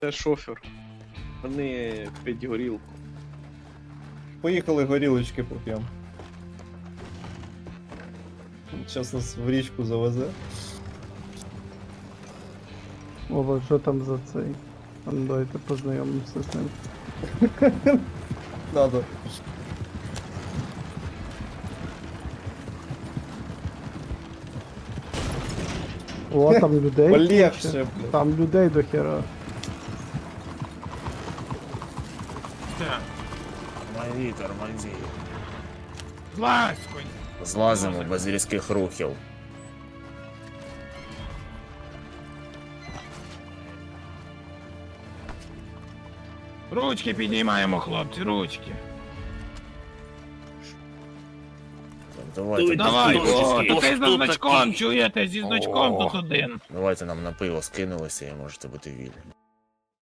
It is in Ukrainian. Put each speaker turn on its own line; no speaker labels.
Це шофер. Вони п'ять горілку.
Поїхали горілочки поп'ємо. Зараз нас в річку завезе.
Ова, що там за цей? А ну, давайте познайомимося з ним.
Надо.
О, там людей.
Полегше,
куча.
блядь.
Там людей до хера.
Тормози, тормози.
Злазь, конь.
Злазимо без різких рухів.
Ручки піднімаємо, хлопці, ручки.
Давайте,
Давай, о,
хто
тут ти за значком,
такий?
чуєте, зі значком
О.
тут один.
Давайте нам на пиво скинулися і можете бути вільні.